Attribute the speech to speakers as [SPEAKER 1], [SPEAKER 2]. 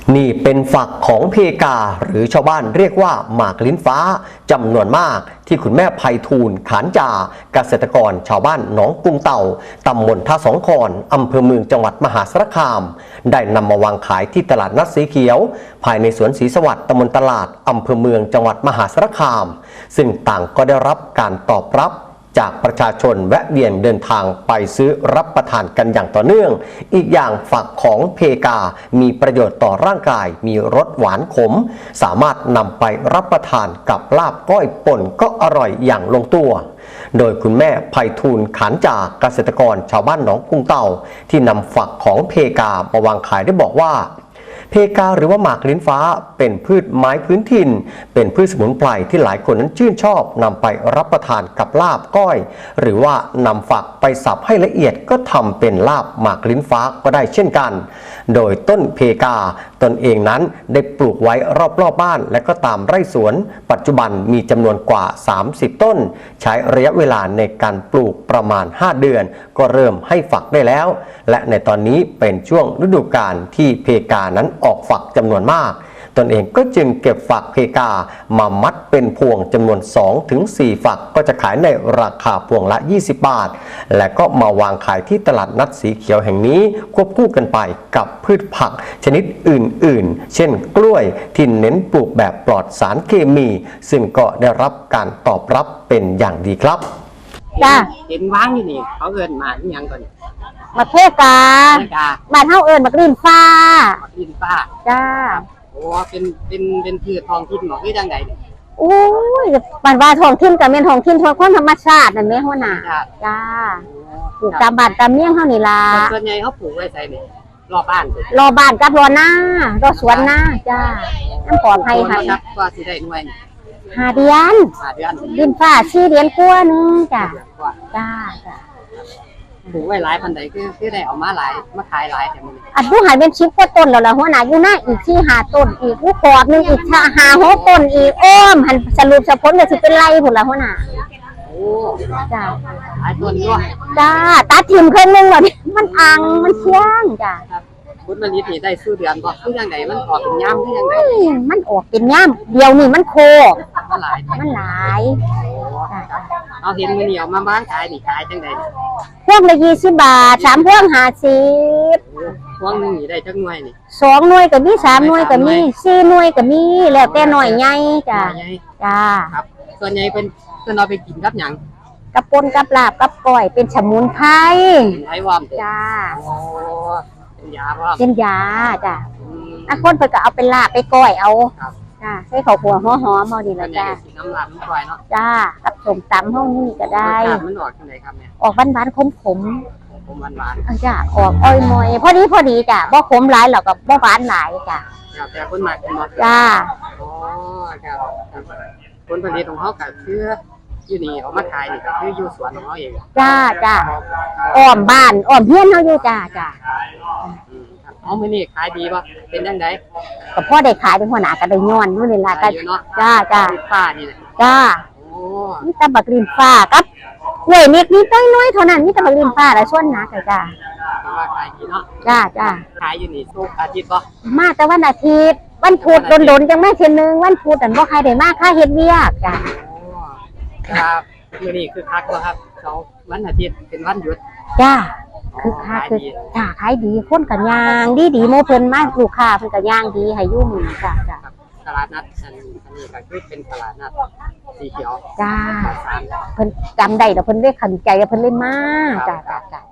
[SPEAKER 1] นี่เป็นฝักของเพกาหรือชาวบ้านเรียกว่าหมากลิ้นฟ้าจำนวนมากที่คุณแม่ไพฑูรย์ขานจาเกษตรกรชาวบ้านหนองกรุงเต่าตำบลท่าสองคอนอำเภอเมืองจังหวัดมหาสารคามได้นำมาวางขายที่ตลาดนัดสีเขียวภายในสวนศรีสวัสดิ์ตำบลตลาดอำเภอเมืองจังหวัดมหาสารคามซึ่งต่างก็ได้รับการตอบรับจากประชาชนแวะเวียนเดินทางไปซื้อรับประทานกันอย่างต่อเนื่องอีกอย่างฝักของเพกามีประโยชน์ต่อร่างกายมีรสหวานขมสามารถนำไปรับประทานกับลาบก้อยป่นก็อร่อยอย่างลงตัวโดยคุณแม่ไพฑูรย์ขานจาเกษตรกรชาวบ้านหนองกรุงเต่าที่นำฝักของเพกามาวางขายได้บอกว่าเพกาหรือว่าหมากลิ้นฟ้าเป็นพืชไม้พื้นถิ่นเป็นพืชสมุนไพรที่หลายคนนั้นชื่นชอบนำไปรับประทานกับลาบก้อยหรือว่านำฝักไปสับให้ละเอียดก็ทำเป็นลาบหมากลิ้นฟ้าก็ได้เช่นกันโดยต้นเพกาตนเองนั้นได้ปลูกไว้รอบบ้านและก็ตามไร่สวนปัจจุบันมีจำนวนกว่า30ต้นใช้ระยะเวลาในการปลูกประมาณ5เดือนก็เริ่มให้ฝักได้แล้วและในตอนนี้เป็นช่วงฤดูกาลที่เพกานั้นออกฝักจำนวนมากตนเองก็จึงเก็บฝักเพกามามัดเป็นพวงจำนวน 2-4 ฝักก็จะขายในราคาพวงละ20 บาทและก็มาวางขายที่ตลาดนัดสีเขียวแห่งนี้ควบคู่กันไปกับพืชผักชนิดอื่นๆเช่นกล้วยที่เน้นปลูกแบบปลอดสารเคมีซึ่งก็ได้รับการตอบรับเป็นอย่างดีครับ
[SPEAKER 2] จ้า
[SPEAKER 3] เห็นว่างอยู่นี่เขาเอิ้นหมากอิหยังก่อน
[SPEAKER 2] มะเพกาบ้านเฮาเอิ้นมะกลิ้นฟ้า
[SPEAKER 3] ดินฟ้า
[SPEAKER 2] จ้า
[SPEAKER 3] โอ้เป็นพืชท้องถิ่นบ่คือจังไดนี่
[SPEAKER 2] โอ้ยบ้านว่าท้องถิ่นก็แม่นท้องถิ่นทั่วคนธรรมชาตินั่นแม่ฮู้น่ะจ้าปลูกตามบ้านตามเมี่ยงเฮานี่ล่ะ
[SPEAKER 3] ส่วนใหญ่เขาปลูกไว้ไสนี่รอบบ้าน
[SPEAKER 2] รอบ้านกับรอหน้ารอสวนหน้าจ้าน้ำปลอดภัยค่ะ
[SPEAKER 3] ว่าสิได้หน่วย
[SPEAKER 2] 5 เดือนลิ้นฟ้า4 เดือนกว่านึงจ้าจ้า
[SPEAKER 3] ปลูกไว้หลายพันใดคือได้เอามาหลายมาขายหลายแต่มื้อนี้
[SPEAKER 2] อันผู้หายเป็น10 กว่าต้นแล้วล่ะหัวหน้าอยู่หน้าอีก4-5 ต้นอีกผู้ขอบนึงอีก5-6 ต้นอีกอ้อมหันสรุปผลก็สิเป็นไรพุ่นล่ะหัวหน้า
[SPEAKER 3] โอ้
[SPEAKER 2] จ้า
[SPEAKER 3] หลายต้นอยู่
[SPEAKER 2] จ้าตัดทิ่มครึ่งนึงแล้วนี่มันอังมันเที่ยงจ้า
[SPEAKER 3] ผลผลิตนี่ได้ซื้อเดือนบ่คือจังไดมันออกเป็นยามคือจังได
[SPEAKER 2] มันออกเป็นยามเดียวนี่มันโค
[SPEAKER 3] มันหลายเอาเห็นมื้อนี้เอามาบ้างขายนี่ขายจังได
[SPEAKER 2] พวงละ20 บาท3พวง50
[SPEAKER 3] พวงนึงนี่ได้จักหน่วยนี่
[SPEAKER 2] 2 หน่วยก็มี3 หน่วยก็มี4 หน่วยก็มีแล้วแต่น้อยใหญ่จ้าจ้า
[SPEAKER 3] ครับส่วนใหญ่เพิ่นเอาไปกินกับหยัง
[SPEAKER 2] กับป่นกับลาบกับก้อยเป็นสมุนไพร
[SPEAKER 3] ไอ้วอม
[SPEAKER 2] จ้า
[SPEAKER 3] โอ้เป็นยาบ่
[SPEAKER 2] เป็นยาจ้าคนเพิ่นก็เอาเป็นลาบไปก้อยเอาจ้าใส่ข้าวคั่วหอมๆเฮานี่ล่ะจ้า
[SPEAKER 3] น้ำลาบน้ำก้อยเนาะ
[SPEAKER 2] จ้ากับส้มตำเฮานี่ก็ได้
[SPEAKER 3] มันออกจังไดครับเนี่ย
[SPEAKER 2] ออกหวานๆขม
[SPEAKER 3] หวาน
[SPEAKER 2] จ้าออกอ้อยมอยพอดีจ้าบ่ขมหลายแล้วก็บ่หวานหลายจ้า
[SPEAKER 3] แต่คนมากกินบ่
[SPEAKER 2] จ้า
[SPEAKER 3] อ๋อครับผลผลิตของเฮาก็คืออยู่นี่เอามาขายนี่ก็คืออยู่สวนของเฮาเอง
[SPEAKER 2] จ้าอ้อมบ้านอ้อมเฮียนเฮาอยู่จ้า
[SPEAKER 3] เอามื้อนี้ขายดีบ่เป็นจังได๋
[SPEAKER 2] ก็พอได้ขายเป็นหัวหน้าก็ได้ย้อนอยู่นี่ล่ะก็จ้า
[SPEAKER 3] ฟ้านี่แหละ
[SPEAKER 2] จ้าโอ้มีแต่บักลิ้นฟ้ากับกล้วยนิดน้อยเท่านั้นมีแต่บักลิ้นฟ้าและส่วนหนักจ้า
[SPEAKER 3] ว่าขายดีเนาะ
[SPEAKER 2] จ้า
[SPEAKER 3] ขายอยู่นี่ทุกอาทิตย์บ่
[SPEAKER 2] มาแต่วันอาทิตย์วันพุธโดนๆจังแม่เทื่อนึงวันพุธอันบ่ใครได้มาค่าเฮ็ดเวียกจ้า
[SPEAKER 3] ครับมื้อนี้คือคักบ่ครับเสาร์วันอาทิตย์เป็นวันหยุด
[SPEAKER 2] จ้าคือคักคือจ้าขายดีคนก็ย่างดีโมเพิ่นมาลูกค้าเพิ่นก็ย่างดีให้อยู่มื้อจ้า
[SPEAKER 3] ตลาดนัดอันนี้ก็คือเป็นตลาดนัดสีเขียว
[SPEAKER 2] จ้าเพิ่นจำได้แล้วเพิ่นได้ขันใจเพิ่นเลยมาจ้า